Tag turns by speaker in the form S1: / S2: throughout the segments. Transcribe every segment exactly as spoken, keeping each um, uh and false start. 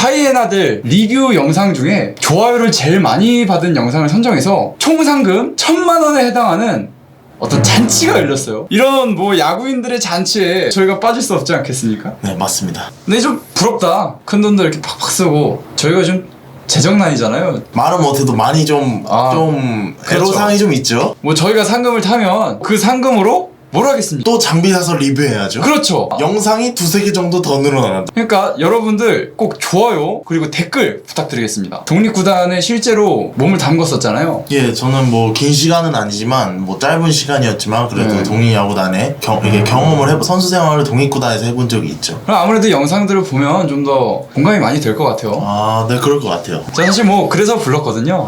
S1: 하이에나들 리뷰 영상 중에 좋아요를 제일 많이 받은 영상을 선정해서 총 상금 천만 원에 해당하는 어떤 잔치가 열렸어요. 이런 뭐 야구인들의 잔치에 저희가 빠질 수 없지 않겠습니까?
S2: 네, 맞습니다.
S1: 근데 좀 부럽다. 큰 돈들 이렇게 팍팍 쓰고 저희가 좀 재정난이잖아요.
S2: 말은 못해도 많이 좀,
S1: 아,
S2: 좀,
S1: 그렇죠.
S2: 애로사항이 좀 있죠?
S1: 뭐 저희가 상금을 타면 그 상금으로 뭘 하겠습니까?
S2: 또 장비 사서 리뷰해야죠.
S1: 그렇죠.
S2: 영상이 두세 개 정도 더 늘어난다.
S1: 그러니까 여러분들 꼭 좋아요 그리고 댓글 부탁드리겠습니다. 독립구단에 실제로 몸을 담궜었잖아요.
S2: 예, 저는 뭐 긴 시간은 아니지만 뭐 짧은 시간이었지만 그래도
S1: 네.
S2: 독립야구단에 경, 이게 경험을 해본 선수 생활을 독립구단에서 해본 적이 있죠.
S1: 그럼 아무래도 영상들을 보면 좀 더 공감이 많이 될 것 같아요.
S2: 아, 네, 그럴 것 같아요.
S1: 제가 사실 뭐 그래서 불렀거든요.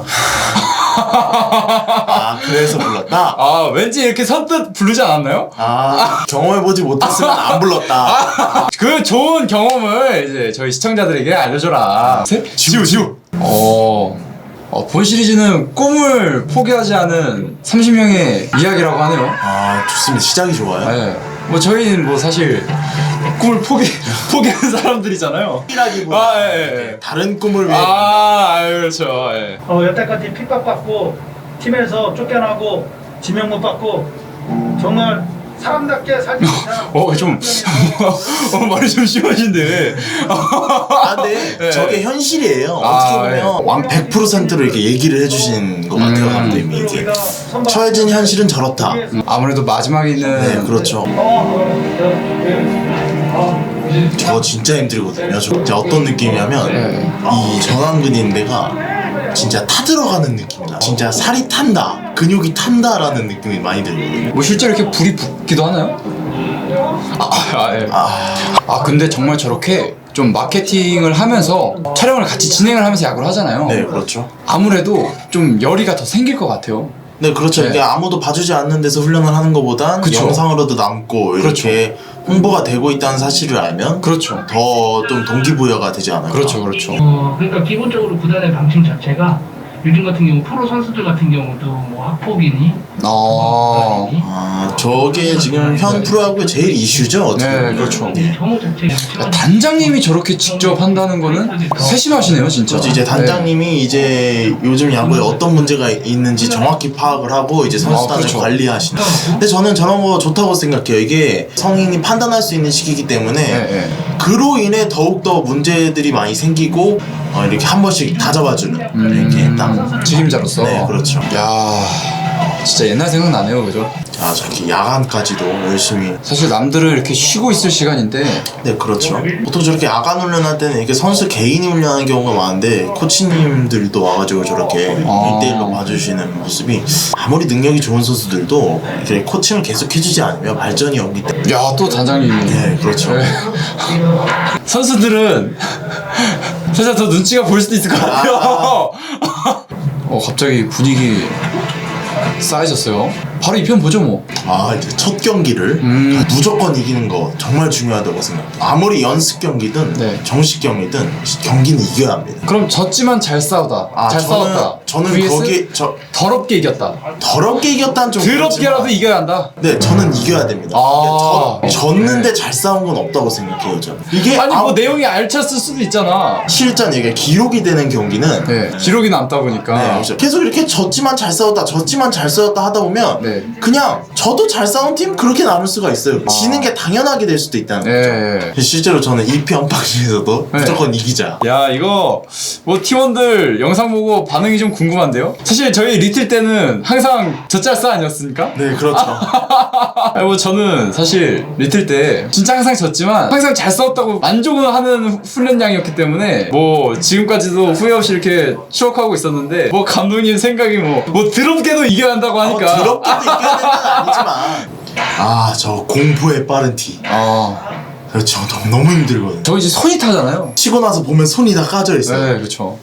S2: 아, 그래서 불렀다?
S1: 아 왠지 이렇게 선뜻 부르지 않았나요?
S2: 아, 경험해보지 못했으면 안 불렀다.
S1: 그 좋은 경험을 이제 저희 시청자들에게 알려줘라. 셋?
S2: 지우, 지우.
S1: 어, 어, 본 시리즈는 꿈을 포기하지 않은 삼십 명의 이야기라고 하네요.
S2: 아, 좋습니다. 시작이 좋아요.
S1: 네. 뭐 저희는 뭐 사실 꿈을 포기 포기하는 사람들이잖아요.
S2: 이라기보다
S1: 아, 예, 예.
S2: 다른 꿈을 위해.
S1: 아, 아유, 그렇죠. 예.
S3: 어, 여태까지 핍박받고 팀에서 쫓겨나고 지명못 받고 정말 사람답게 살지 못한
S1: 어, 좀 어, 말이 좀 심하신데.
S2: 아, 근데
S1: 네.
S2: 저게 현실이에요.
S1: 아,
S2: 어떻게 보면 완 백 퍼센트로 이렇게 얘기를 해주신 것 같아요,
S1: 음.
S2: 감독님이. 이게 처해진 현실은 저렇다.
S1: 아무래도 마지막에는
S2: 네, 그렇죠. 저거 진짜 힘들거든요. 저 진짜 어떤 느낌이냐면
S1: 네.
S2: 이 전완근인데가 진짜 타들어가는 느낌이다. 진짜 살이 탄다, 근육이 탄다라는 느낌이 많이 들거든요.
S1: 뭐 실제로 이렇게 불이 붙기도 하나요? 아, 아, 예.
S2: 아,
S1: 아 근데 정말 저렇게 좀 마케팅을 하면서 촬영을 같이 진행을 하면서 야구를 하잖아요.
S2: 네, 그렇죠.
S1: 아무래도 좀 열의가 더 생길 것 같아요.
S2: 네, 그렇죠.
S1: 네.
S2: 이게 아무도 봐주지 않는 데서 훈련을 하는 것보단
S1: 그쵸.
S2: 영상으로도 남고 이렇게 홍보가 되고 있다는 사실을 알면
S1: 그렇죠.
S2: 더 좀 동기부여가 되지 않을까.
S1: 그렇죠, 그렇죠.
S4: 어, 그러니까 기본적으로 구단의 방침 자체가 요즘 같은 경우 프로 선수들 같은 경우도 뭐 학폭이니
S1: 아,
S2: 아, 저게 지금 현 프로야구의 제일 이슈죠. 어떻게
S1: 네,
S2: 보면.
S1: 그렇죠.
S2: 예.
S4: 혐오 자체
S1: 야, 단장님이 저렇게 직접 한다는 거는 세심하시네요, 진짜.
S2: 그렇죠. 이제 단장님이 이제 요즘 야구에 어떤 문제가 있는지 정확히 파악을 하고 이제 선수단을
S1: 아, 그렇죠.
S2: 관리하시는. 근데 저는 저런 거 좋다고 생각해요. 이게 성인이 판단할 수 있는 시기이기 때문에
S1: 네, 네.
S2: 그로 인해 더욱더 문제들이 많이 생기고 어, 이렇게 한 번씩 다 잡아주는 이렇게 딱.
S1: 음, 책임자로서.
S2: 네, 그렇죠.
S1: 야, 진짜 옛날 생각나네요, 그죠?
S2: 아, 저렇게 야간까지도 열심히.
S1: 사실 남들은 이렇게 쉬고 있을 시간인데.
S2: 네, 그렇죠. 보통 저렇게 야간 훈련할 때는 이렇게 선수 개인이 훈련하는 경우가 많은데 코치님들도 와가지고 저렇게
S1: 아.
S2: 일 대일로 봐주시는 모습이 아무리 능력이 좋은 선수들도 이렇게 코칭을 계속 해주지 않으면 발전이 없기 때문에.
S1: 야, 또 단장님이.
S2: 네, 그렇죠.
S1: 네. 선수들은 살짝 더 눈치가 보일 수도 있을 것 같아요. 어, 갑자기 분위기 쌓여졌어요. 바로 이 편 보죠 뭐.
S2: 아, 이제 첫 경기를
S1: 음.
S2: 무조건 이기는 거 정말 중요하다고 생각해요. 아무리 연습 경기든
S1: 네.
S2: 정식 경기든 경기는 이겨야 합니다.
S1: 그럼 졌지만 잘 싸우다.
S2: 아,
S1: 잘
S2: 저는-
S1: 싸웠다.
S2: 저는
S1: vs
S2: 거기 저
S1: 더럽게 이겼다.
S2: 더럽게 이겼다는 좀
S1: 더럽게라도
S2: 그렇지만
S1: 이겨야 한다.
S2: 네, 저는 이겨야 됩니다.
S1: 아.
S2: 이게 저, 졌는데 잘 싸운 건 없다고 생각해요, 저는. 이게
S1: 아니 뭐
S2: 아무-
S1: 내용이 알찼을 수도 있잖아.
S2: 실전 이게 기록이 되는 경기는
S1: 네, 기록이 남다 보니까.
S2: 네, 그렇죠. 계속 이렇게 졌지만 잘 싸웠다, 졌지만 잘 싸웠다 하다 보면
S1: 네.
S2: 그냥 저도 잘 싸운 팀 그렇게 나눌 수가 있어요. 지는 게 당연하게 될 수도 있다는
S1: 네.
S2: 거죠. 실제로 저는 이 편 방송에서도
S1: 네.
S2: 무조건 이기자.
S1: 야, 이거 뭐 팀원들 영상 보고 반응이 좀 궁금한데요? 사실 저희 리틀 때는 항상 젖잘싸 아니었습니까?
S2: 네, 그렇죠.
S1: 아니 뭐 저는 사실 리틀 때 진짜 항상 졌지만 항상 잘 싸웠다고 만족을 하는 훈련량이었기 때문에 뭐 지금까지도 후회 없이 이렇게 추억하고 있었는데 뭐 감독님 생각이 뭐 뭐 더럽게도 이겨야 한다고 하니까
S2: 어, 더럽게도 이겨야 되는 건 아니지만 아, 저 공포의 빠른 티.
S1: 아,
S2: 그렇죠. 너무, 너무 힘들거든요.
S1: 저 이제 손이 타잖아요.
S2: 치고 나서 보면 손이 다 까져 있어요.
S1: 네, 그렇죠.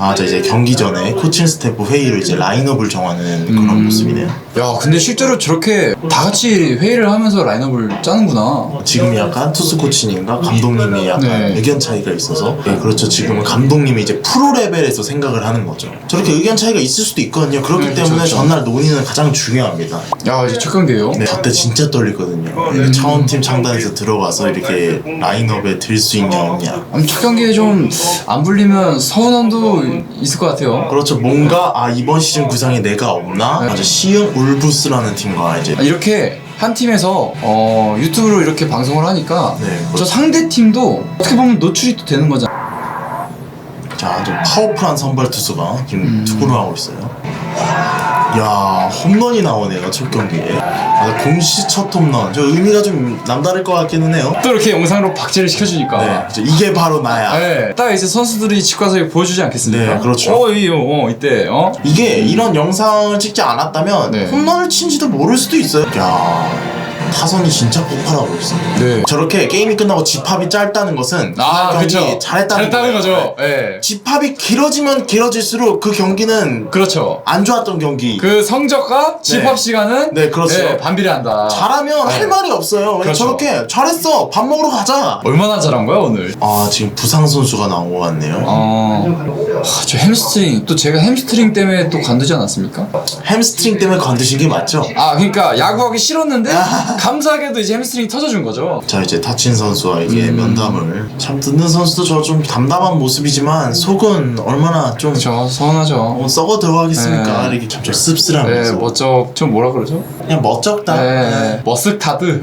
S2: 자 이제 경기 전에 코칭 스태프 회의를 이제 라인업을 정하는 그런
S1: 음.
S2: 모습이네요.
S1: 야 근데 실제로 저렇게 다 같이 회의를 하면서 라인업을 짜는구나.
S2: 지금 약간 투수 코치님과 감독님이 약간
S1: 네.
S2: 의견 차이가 있어서 네, 그렇죠. 지금은 감독님이 이제 프로 레벨에서 생각을 하는 거죠. 저렇게 의견 차이가 있을 수도 있거든요. 그렇기
S1: 네,
S2: 때문에
S1: 그렇죠.
S2: 전날 논의는 가장 중요합니다.
S1: 야 이제 첫 경기예요.
S2: 네, 저때 진짜 떨리거든요. 이렇게 차원팀 창단에서 들어가서 이렇게 라인업에 들 수 있냐 없냐.
S1: 아니, 첫 경기에 좀 안 불리면 서운함도 있을 것 같아요.
S2: 그렇죠. 뭔가 아 이번 시즌 구상에 내가 없나?
S1: 네.
S2: 맞아. 시흥 울브스라는 팀과 이제
S1: 이렇게 한 팀에서 어, 유튜브로 이렇게 방송을 하니까
S2: 네,
S1: 저
S2: 그렇죠.
S1: 상대 팀도 어떻게 보면 노출이 또 되는 거잖아.
S2: 자, 좀 파워풀한 선발 투수가 지금
S1: 음.
S2: 투구를 하고 있어요. 야, 홈런이 나오네요, 첫 경기에. 아, 공시 첫 홈런. 저 의미가 좀 남다를 것 같기는 해요.
S1: 또 이렇게 영상으로 박제를 시켜주니까.
S2: 네, 이제 이게 바로 나야.
S1: 네, 딱 이제 선수들이 집 가서 보여주지 않겠습니까?
S2: 네, 그렇죠.
S1: 어, 이, 어, 이때, 어?
S2: 이게 이런 영상을 찍지 않았다면
S1: 네.
S2: 홈런을 친지도 모를 수도 있어요. 야, 타선이 진짜 폭발하고 있어.
S1: 네.
S2: 저렇게 게임이 끝나고 집합이 짧다는 것은
S1: 아,
S2: 경기
S1: 그쵸.
S2: 잘했다는,
S1: 잘했다는
S2: 거예요.
S1: 거죠. 예.
S2: 집합이 길어지면 길어질수록 그 경기는
S1: 그렇죠.
S2: 안 좋았던 경기.
S1: 그 성적과 집합 시간은
S2: 네, 그렇죠.
S1: 예, 반비례한다.
S2: 잘하면
S1: 네.
S2: 할 말이 없어요.
S1: 그렇죠.
S2: 저렇게 잘했어. 밥 먹으러 가자.
S1: 얼마나 잘한 거야, 오늘?
S2: 아, 지금 부상 선수가 나온 것 같네요.
S1: 어, 하, 저 햄스트링, 또 제가 햄스트링 때문에 또 관두지 않았습니까?
S2: 햄스트링 때문에 건드신 게 맞죠?
S1: 아, 그러니까 야구하기 싫었는데 감사하게도 이제 햄스트링 터져준 거죠.
S2: 자, 이제 타친 선수와 이게
S1: 음.
S2: 면담을 참 듣는 선수도 저 좀 담담한 모습이지만 속은 얼마나 좀
S1: 그렇죠, 서운하죠.
S2: 어, 썩어 들어가겠습니까?
S1: 네.
S2: 이렇게 좀, 좀
S1: 네,
S2: 씁쓸하면서
S1: 멋쩍, 좀 뭐라 그러죠?
S2: 그냥 멋쩍다.
S1: 네, 머쓱타드.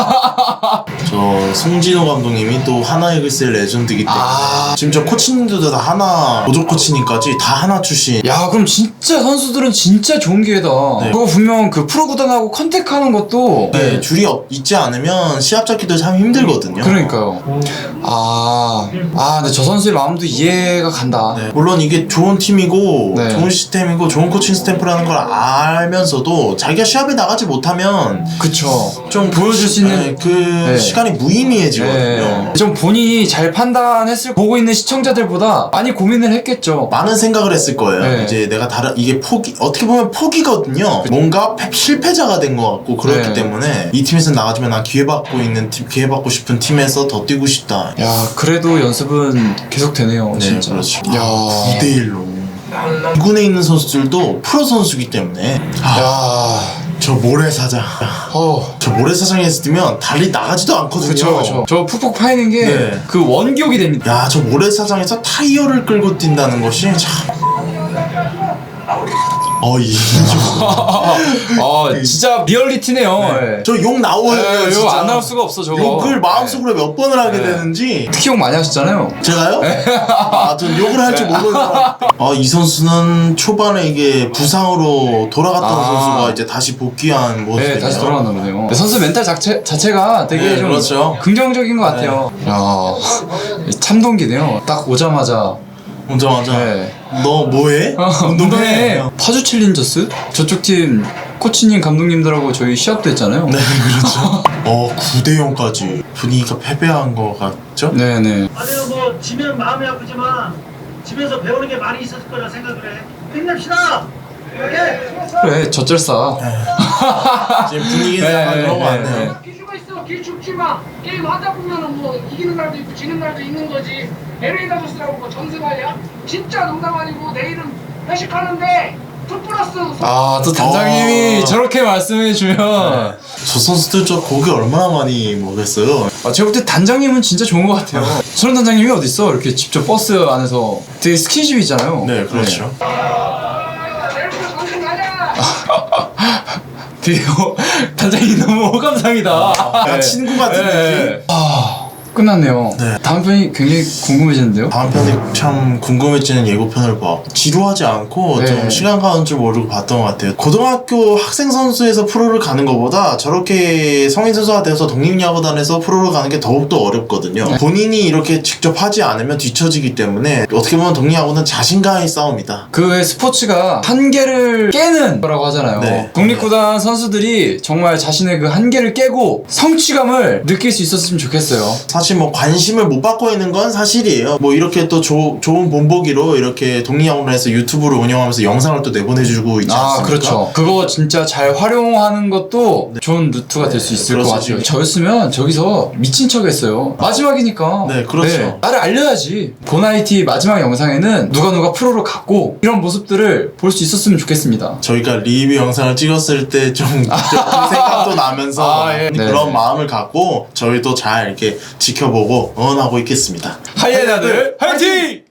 S2: 저 송진호 감독님이 또 하나 이글스의 레전드이기 때문에
S1: 아.
S2: 지금 저 코치님들도 다 하나 보조 코치님까지 다 하나 출신.
S1: 야, 그럼 진짜 선수들은 진짜 좋은 기회다.
S2: 네.
S1: 그거 분명 그 프로 구단하고 컨택하는 것도
S2: 네, 줄이 없, 있지 않으면 시합 잡기도 참 힘들거든요.
S1: 그러니까요. 아, 아, 근데 저 선수의 마음도 이해가 간다.
S2: 네, 물론 이게 좋은 팀이고
S1: 네.
S2: 좋은 시스템이고 좋은 코칭 스탬프라는 걸 알면서도 자기가 시합에 나가지 못하면
S1: 그쵸.
S2: 좀
S1: 보여줄 수 있는
S2: 네, 그
S1: 네.
S2: 시간이 무의미해지거든요.
S1: 네. 좀 본인이 잘 판단했을 보고 있는 시청자들보다 많이 고민을 했겠죠.
S2: 많은 생각을 했을 거예요.
S1: 네.
S2: 이제 내가 다른 이게 포기 어떻게 보면 포기거든요. 뭔가 패- 실패자가 된 것 같고 그렇기
S1: 네.
S2: 때문에 이 팀에서 나가지면 난 기회 받고 있는 팀, 기회 받고 싶은 팀에서 더 뛰고 싶다.
S1: 야, 그래도 연습은 계속 되네요.
S2: 네,
S1: 진짜.
S2: 그렇죠.
S1: 야,
S2: 구 대 일로. 이 군에 있는 선수들도 프로 선수기 때문에 아,
S1: 야,
S2: 저 모래사장
S1: 어.
S2: 저 모래사장에서 뛰면 달리 나가지도 않거든요.
S1: 그쵸, 그쵸. 저 푹푹 파이는 게
S2: 네.
S1: 그 원기옥이 됩니다.
S2: 야, 저 모래사장에서 타이어를 끌고 뛴다는 것이 참. 어, 이.
S1: 아, 진짜 리얼리티네요. 네.
S2: 저 욕 나오요.
S1: 네,
S2: 진짜.
S1: 이거 안 나올 수가 없어, 저거.
S2: 욕을 마음속으로 몇 번을 하게
S1: 네.
S2: 되는지.
S1: 특히 욕 많이 하셨잖아요.
S2: 제가요? 아, 전 욕을 할 줄 모르는 사람. 아, 이 선수는 초반에 이게 부상으로 돌아갔던
S1: 아.
S2: 선수가 이제 다시 복귀한 모습이네요.
S1: 네, 다시 돌아왔나 보네요. 선수 멘탈 자체, 자체가 되게
S2: 네,
S1: 좀
S2: 그렇죠.
S1: 긍정적인 것 같아요. 야, 참동기네요. 딱 오자마자.
S2: 오자마자
S1: 네.
S2: 너 뭐해?
S1: 어, 운동해. 파주 챌린저스? 저쪽 팀 코치님, 감독님들하고 저희 시합도 했잖아요.
S2: 네, 그렇죠. 어, 구 대 영까지 분위기가 패배한 것 같죠?
S1: 네네.
S3: 아니요 뭐 지면 마음이 아프지만 집에서 배우는 게 많이 있었을 거라 생각을 해. 힘냅시다. 오케이.
S1: 그래, 젖절싸.
S2: 지금 분위기는
S1: 네,
S2: 약간 그런 거
S1: 네,
S2: 같네요.
S1: 네.
S5: 기죽어 있어. 기죽지 마. 게임 하다 보면은 뭐 이기는 날도 있고 지는 날도 있는 거지. 엘에이 다저스라고 뭐 전승할이야? 진짜 농담 아니고 내일은 회식하는데 투 플러스.
S1: 아, 또 단장님이
S2: 어.
S1: 저렇게 말씀해주면.
S2: 저 선수들 저 고기 얼마나 많이 먹겠어요?
S1: 아, 제가 볼 때 단장님은 진짜 좋은 것 같아요. 저런 단장님이 어딨어? 이렇게 직접 버스 안에서 되게 스킨십이잖아요.
S2: 네, 그렇죠.
S5: 내일부터 전승하자.
S1: 되게 어, 단장님 너무 호감상이다.
S2: 약간 친구 같은 느낌?
S1: 아, 끝났네요.
S2: 네.
S1: 다음 편이 굉장히 궁금해지는데요.
S2: 다음 편이 참 궁금해지는 예고편을 봐. 지루하지 않고
S1: 네.
S2: 좀 시간 가는 줄 모르고 봤던 것 같아요. 고등학교 학생 선수에서 프로를 가는 것보다 저렇게 성인 선수가 돼서 독립야구단에서 프로를 가는 게 더욱더 어렵거든요.
S1: 네.
S2: 본인이 이렇게 직접 하지 않으면 뒤처지기 때문에 어떻게 보면 독립야구는 자신과의 싸움이다.
S1: 그 외 스포츠가 한계를 깨는 거라고 하잖아요.
S2: 네.
S1: 독립구단 선수들이 정말 자신의 그 한계를 깨고 성취감을 느낄 수 있었으면 좋겠어요.
S2: 사실 사실 뭐 관심을 못 받고 있는 건 사실이에요. 뭐 이렇게 또 조, 좋은 본보기로 이렇게 독립야구단에서 유튜브를 운영하면서 영상을 또 내보내주고 있지 않습니까?
S1: 아, 그렇죠. 그거 진짜 잘 활용하는 것도 좋은 루트가 될 수 있을 것
S2: 그렇죠.
S1: 같아요. 저였으면 저기서 미친 척 했어요. 마지막이니까.
S2: 네, 그렇죠.
S1: 나를 알려야지. 보나이티 마지막 영상에는 누가 누가 프로를 갔고 이런 모습들을 볼 수 있었으면 좋겠습니다.
S2: 저희가 리뷰 영상을 찍었을 때 좀 생각도 나면서
S1: 아, 예.
S2: 그런
S1: 네.
S2: 마음을 갖고 저희도 잘 이렇게 지켜보고 응원하고 있겠습니다.
S1: 하이에나들 화이팅!